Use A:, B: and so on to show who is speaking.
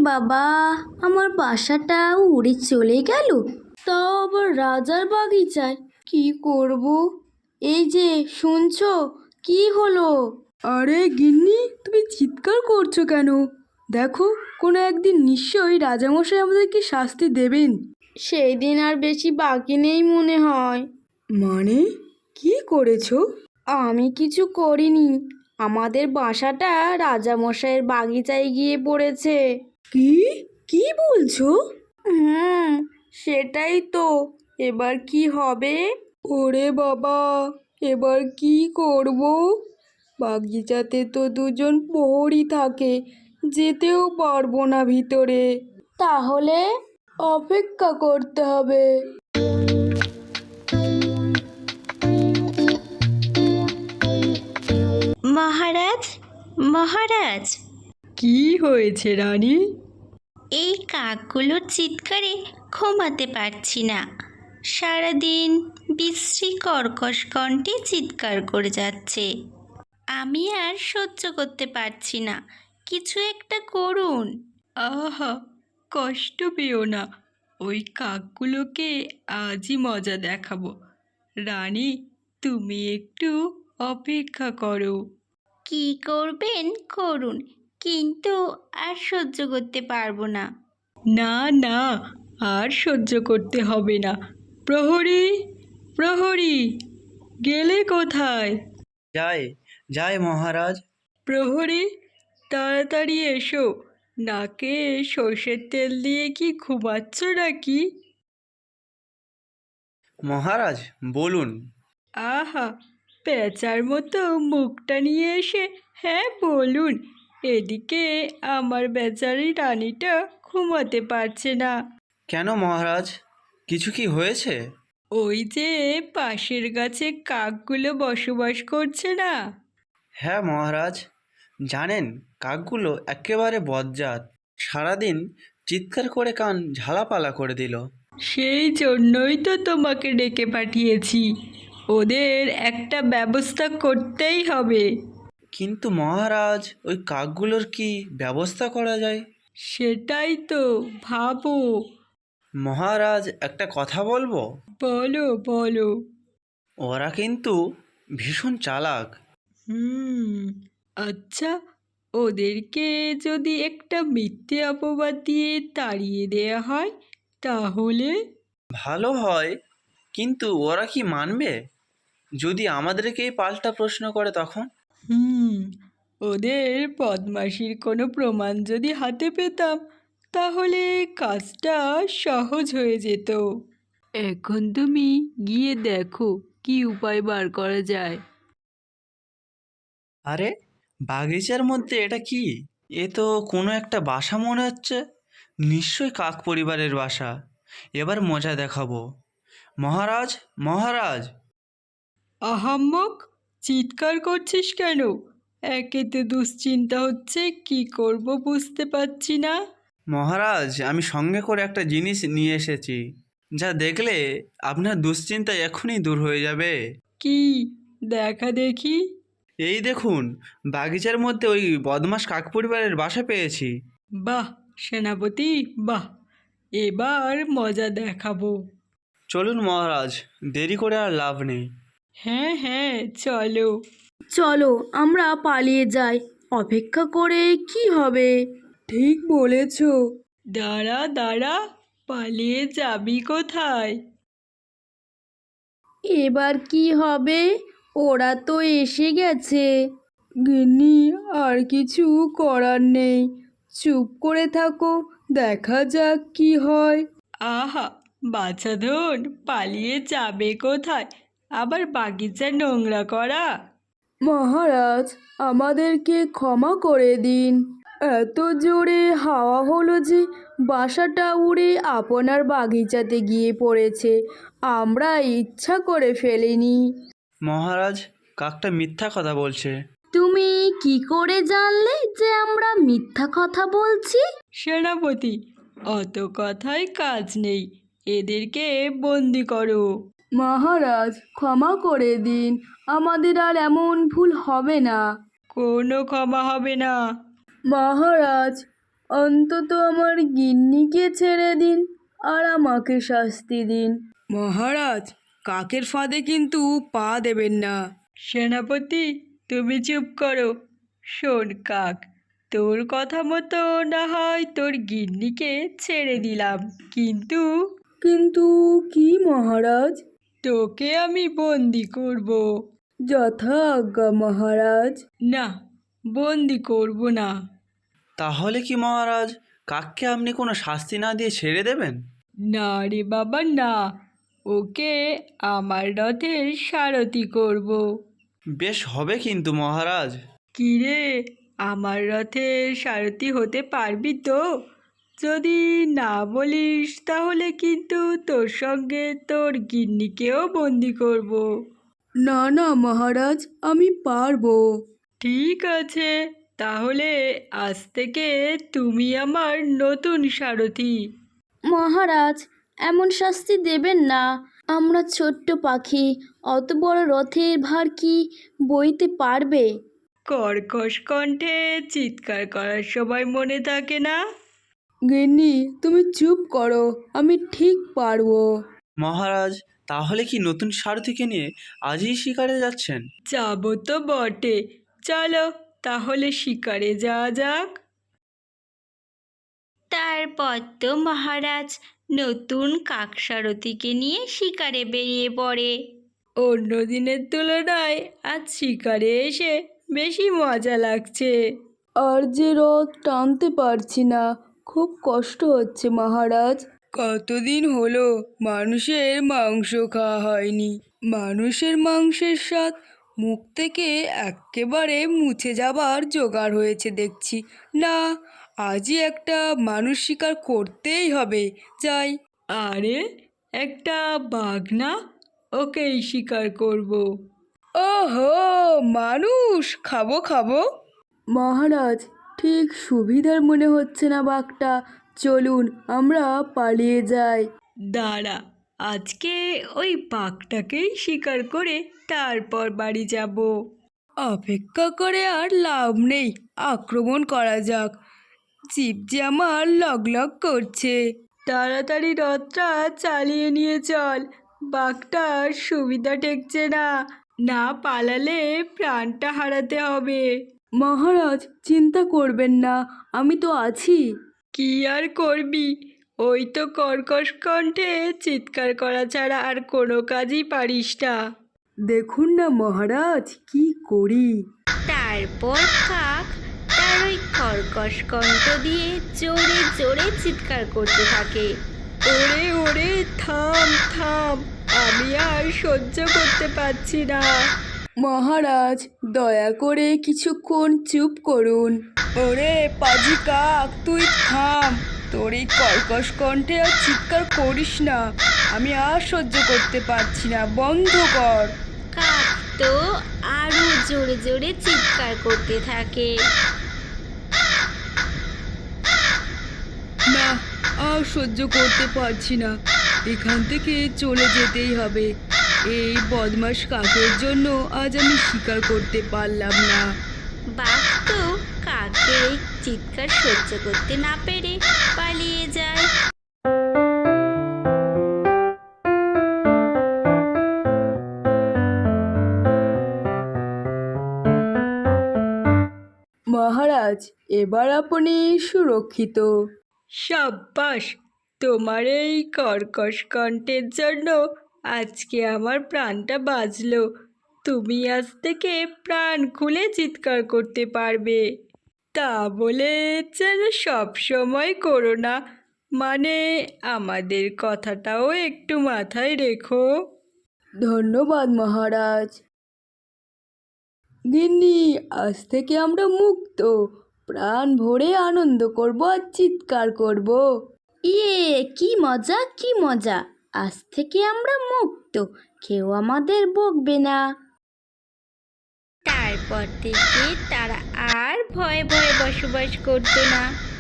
A: বাবা, আমার বাসাটা উড়ে চলে গেল, তাও আবার রাজার বাগিচায়। কি করব? এই যে শুনছো, কি হলো?
B: আরে গিন্নি, তুমি চিৎকার করছো কেন? দেখো, কোনো একদিন নিশ্চয়ই রাজামশাই আমাদেরকে শাস্তি দেবেন।
A: সেই দিন আর বেশি বাকি নেই মনে হয়।
B: মানে কি করেছো?
A: আমি কিছু করিনি, আমাদের বাসাটা রাজামশাইয়ের বাগিচায় গিয়ে পড়েছে।
B: কি কি বলছো?
A: হুম, সেটাই তো। এবার কি হবে?
B: ওরে বাবা, এবার কি করব? বাগিচাতে তো দুজন প্রহরী থাকে, যেতেও পারবো না ভিতরে।
A: তাহলে
B: অপেক্ষা করতে হবে।
C: মহারাজ, মহারাজ,
B: কি হয়েছে রানী?
C: এই কাকগুলোর চিৎকারে ঘুমাতে পারছি না। সারাদিন বিশ্রী কর্কশ কণ্ঠে চিৎকার করে যাচ্ছে। আমি আর সহ্য করতে পারছি না, কিছু একটা করুন।
B: আহা, কষ্ট পেও না, ওই কাকগুলোকে আজই মজা দেখাবো। রানী, তুমি একটু অপেক্ষা করো।
C: কি করবেন করুন, কিন্তু আর সহ্য করতে পারবো না।
B: না না, আর সহ্য করতে হবে না। প্রহরী, প্রহরী, গেলে কোথায়?
D: যায় যায় মহারাজ।
B: প্রহরী, তাড়াতাড়ি এসো। নাকে সর্ষের তেল দিয়ে কি ঘুমাচ্ছ নাকি?
D: মহারাজ বলুন।
B: আহা, পেঁচার মতো মুখটা নিয়ে এসে হ্যাঁ বলুন। এদিকে আমার বেচারি রানীটা ঘুমাতে পারছে না।
D: কেন মহারাজ, কিছু কি হয়েছে?
B: ওই যে পাশের গাছে কাকগুলো বসবাস করছে না?
D: হ্যাঁ মহারাজ, জানেন, কাকগুলো একেবারে বজ্জাত। সারাদিন চিৎকার করে কান ঝালাপালা করে দিল।
B: সেই জন্যই তো তোমাকে ডেকে পাঠিয়েছি, ওদের একটা ব্যবস্থা করতেই হবে।
D: কিন্তু মহারাজ, ওই কাকগুলোর কি ব্যবস্থা করা যায়?
B: সেটাই তো ভাবো।
D: মহারাজ, একটা কথা বলবো?
B: বলো বলো।
D: ওরা কিন্তু ভীষণ চালাক।
B: হুম, আচ্ছা, ওদেরকে যদি একটা মিথ্যে অপবাদ দিয়ে তাড়িয়ে দেয়া হয় তাহলে?
D: ভালো হয়, কিন্তু ওরা কি মানবে যদি আমাদেরকেই পাল্টা প্রশ্ন করে তখন?
B: হুম, ওদের বদমাশির কোনো প্রমাণ যদি হাতে পেতাম তাহলে কাজটা সহজ হয়ে যেত। এখন তুমি গিয়ে দেখো কি উপায় বার করা যায়।
D: আরে, বাগিচার মধ্যে এটা কি? এ তো কোনো একটা বাসা মনে হচ্ছে। নিশ্চয়ই কাক পরিবারের বাসা। এবার মজা দেখাবো। মহারাজ, মহারাজ!
B: আহাম্মক, চিৎকার করছিস কেন? একেতে দুশ্চিন্তা হচ্ছে, কি করব বুঝতে পারছি না।
D: মহারাজ, আমি সঙ্গে করে একটা জিনিস নিয়ে এসেছি, যা দেখলে আপনার দুশ্চিন্তা এখনই দূর হয়ে যাবে।
B: কি? দেখা দেখি।
D: এই দেখুন, বাগিচার মধ্যে ওই বদমাস কাক পরিবারের বাসা পেয়েছি।
B: বাহ সেনাপতি, বাহ, এবার মজা দেখাবো।
D: চলুন মহারাজ, দেরি করে আর লাভ নেই।
B: হ্যাঁ হ্যাঁ, চলো।
A: চলো আমরা পালিয়ে যাই, অপেক্ষা করে কি হবে?
B: ঠিক বলেছ। দাঁড়া দাঁড়া, পালিয়ে যাবি কোথায়?
A: এবার কি হবে? ওরা তো এসে গেছে।
B: গিন্নি, আর কিছু করার নেই, চুপ করে থাকো, দেখা যাক কি হয়। আহা, বাছাধন, পালিয়ে যাবে কোথায়? আবার বাগিচা নোংরা করা? মহারাজ, আমাদেরকে ক্ষমা করে দিন। এত জোরে হাওয়া হলো যে বাসাটা উড়ে আপনার বাগিচাতে গিয়ে পড়েছে, আমরা ইচ্ছা করে ফেলিনি।
D: মহারাজ, কাকটা মিথ্যা কথা বলছে।
A: তুমি কি করে জানলে যে আমরা মিথ্যা কথা বলছি?
B: সেনাপতি, অত কথায় কাজ নেই, এদেরকে বন্দি করো। মহারাজ, ক্ষমা করে দিন, আমাদের আর এমন ভুল হবে না। কোনো ক্ষমা হবে না। মহারাজ,
A: অন্তত আমার গিন্নিকে ছেড়ে দিন আর আমাকে শাস্তি দিন।
B: মহারাজ, কাকের ফাঁদে কিন্তু পা দেবেন না। সেনাপতি, তুমি চুপ করো। শোন কাক, তোর কথা মতো না হয় তোর গিন্নিকে ছেড়ে দিলাম, কিন্তু
A: কিন্তু কি মহারাজ?
B: তোকে আমি বন্দি করব।
A: যথা আজ্ঞা মহারাজ।
B: না, বন্দি করব না।
D: তাহলে কি মহারাজ, কাককে আপনি কোনো শাস্তি না দিয়ে ছেড়ে দেবেন?
B: না রে বাবা না, ওকে আমার রথের সারথি করব।
D: বেশ হবে কিন্তু মহারাজ।
B: কি রে, আমার রথের সারথি হতে পারবি তো? যদি না বলিস তাহলে কিন্তু তোর সঙ্গে তোর গিন্নিকেও বন্দি করব।
A: না না মহারাজ, আমি পারবো।
B: ঠিক আছে, তাহলে আজ থেকে তুমি আমার নতুন সারথি।
A: মহারাজ, এমন শাস্তি দেবেন না। আমরা ছোট্ট পাখি, অত বড় রথের ভার কি বইতে পারবে?
B: কর্কশ কণ্ঠে চিৎকার করার সময় মনে থাকে না?
A: গিন্নি, তুমি চুপ করো, আমি ঠিক পারবো।
D: মহারাজ, তাহলে কি নতুন সারথিকে নিয়ে আজই শিকারে যাচ্ছেন?
B: যাবো তো বটে, চলো তাহলে শিকারে যাওয়া যাক।
C: তারপর তো মহারাজ নতুন কাকসারথীকে নিয়ে শিকারে বেরিয়ে পড়ে।
B: অন্য দিনের তুলনায় আজ শিকারে এসে বেশি মজা লাগছে।
A: আর যে রথ টানতে পারছি না, খুব কষ্ট হচ্ছে মহারাজ।
B: কতদিন হলো মানুষের মাংস খাওয়া হয়নি। মানুষের মাংসের স্বাদ মুখ থেকে একেবারে মুছে যাবার জোগাড় হয়েছে দেখছি। না, আজই একটা মানুষ শিকার করতেই হবে। যাই। আরে, একটা বাঘ না? ওকেই শিকার করব। ওহো, মানুষ, খাবো খাবো।
A: মহারাজ, ঠিক সুবিধার মনে হচ্ছে না বাঘটা। চলুন আমরা পালিয়ে যাই।
B: দাঁড়া, আজকে ওই বাঘটাকেই শিকার করে তারপর বাড়ি যাব। অপেক্ষা করে আর লাভ নেই, আক্রমণ করা যাক। জিভ যে আমার লগলগ করছে। তাড়াতাড়ি রথটা চালিয়ে নিয়ে চল, বাঘটার সুবিধা ঠেকছে না। না পালালে প্রাণটা হারাতে হবে।
A: মহারাজ, চিন্তা করবেন না, আমি তো আছি।
B: কি আর করবি, ওই তো কর্কশ কণ্ঠে চিৎকার করা ছাড়া আর কোনো কাজই পারিস না।
A: দেখুন না মহারাজ, কি করি।
C: তারপর কাক তার ওই কর্কশ কণ্ঠ দিয়ে জোরে জোরে চিৎকার করতে থাকে।
B: ওরে ওরে, থাম থাম, আমি আর সহ্য করতে পারছি না।
A: মহারাজ, দয়া করে কিছুক্ষণ চুপ করুন।
B: ওরে পাজি কাক, তুই থাম, তোর এই কর্কশ কণ্ঠে আর চিৎকার করিস না। আমি আর সহ্য করতে পারছি না, বন্ধ কর।
C: কাক তো আরো জোরে জোরে চিৎকার করতে থাকে।
B: না, আর সহ্য করতে পারছি না, এখান থেকে চলে যেতেই হবে। এই বদমাস কাকের জন্য আজ আমি শিকার করতে পারলাম না।
C: বাঘ তো কাকের এই চিৎকার সহ্য করতে না পেরে পালিয়ে যায়।
A: মহারাজ, এবার আপনি সুরক্ষিত।
B: সাব্বাস, তোমার এই কর্কশ কণ্ঠের জন্য আজকে আমার প্রাণটা বাঁচলো। তুমি আজ থেকে প্রাণ খুলে চিৎকার করতে পারবে। তা বলে যেন সব সময় করো না, মানে আমাদের কথাটাও একটু মাথায় রেখো।
A: ধন্যবাদ মহারাজ। গিন্নি, আজ থেকে আমরা মুক্ত। প্রাণ ভরে আনন্দ করব আর চিৎকার করব। ইয়ে, কি মজা কি মজা! আজ থেকে আমরা মুক্ত, কেউ আমাদের বকবে না।
C: তারপর থেকে তারা আর ভয়ে ভয়ে বসবাস করতো না।